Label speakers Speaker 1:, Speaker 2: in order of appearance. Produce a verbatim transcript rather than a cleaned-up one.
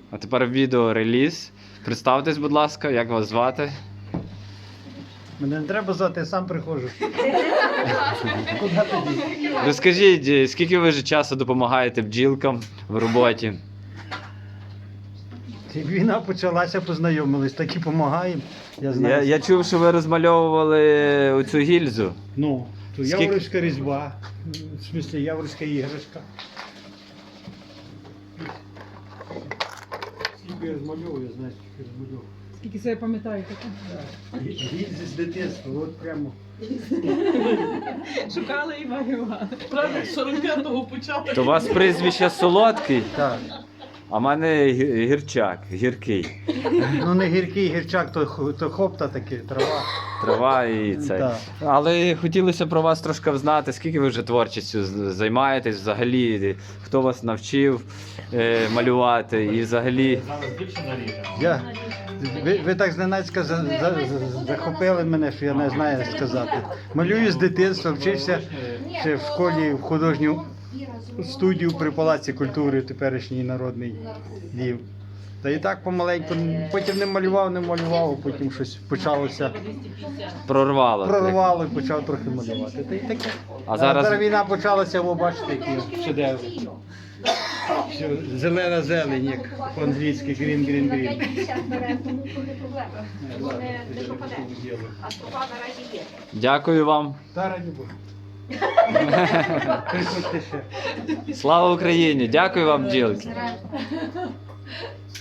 Speaker 1: А тепер відео реліз. Представтесь, будь ласка, як вас звати?
Speaker 2: Мене не треба звати, я сам приходжу. Куди тоді?
Speaker 1: Розкажіть, скільки ви вже часу допомагаєте бджілкам в роботі?
Speaker 2: Як війна почалася, познайомились, так і допомагаємо. Я знаю.
Speaker 1: Я, я чув, що ви розмальовували оцю гільзу.
Speaker 2: Ну, то
Speaker 1: Скільки-
Speaker 2: яворівська різьба, в смислі яворівська іграшка. Скільки я розмальовую, я знаю, скільки розмальовую.
Speaker 3: Скільки себе пам'ятаєте?
Speaker 2: Гільзи з дитинства, от прямо.
Speaker 3: Шукали і малювали. Правда, з сорок п'ятого почали.
Speaker 1: То у вас прізвище солодкий,
Speaker 2: Так.
Speaker 1: а в мене гі- гірчак, гіркий.
Speaker 2: Ну не гіркий гірчак, то, х- то хопта таке, трава.
Speaker 1: Трава і цей.
Speaker 2: Так.
Speaker 1: Але хотілося про вас трошки знати, скільки ви вже творчістю з- займаєтесь взагалі, хто вас навчив е, малювати і взагалі.
Speaker 2: Я, ви, ви так зненацька за, за, за- захопили мене, що я не знаю сказати. Малюю з дитинства, вчився ще в школі в художню студію при Палаці культури, теперішній народний Львів. Та і так помаленьку, потім не малював, не малював, а потім щось почалося,
Speaker 1: Прорвало.
Speaker 2: прорвало і почав трохи малювати. Та й таке.
Speaker 1: А зараз-
Speaker 2: зараз війна почалася, ви бачите, які шедеври. Все, зелена зелень, як по-англійськи, green, green, green.
Speaker 4: А стопа наразі є.
Speaker 1: Дякую вам.
Speaker 2: Та раді Бога. Приходьте ще.
Speaker 1: Слава Україні! Дякую вам, бджілки.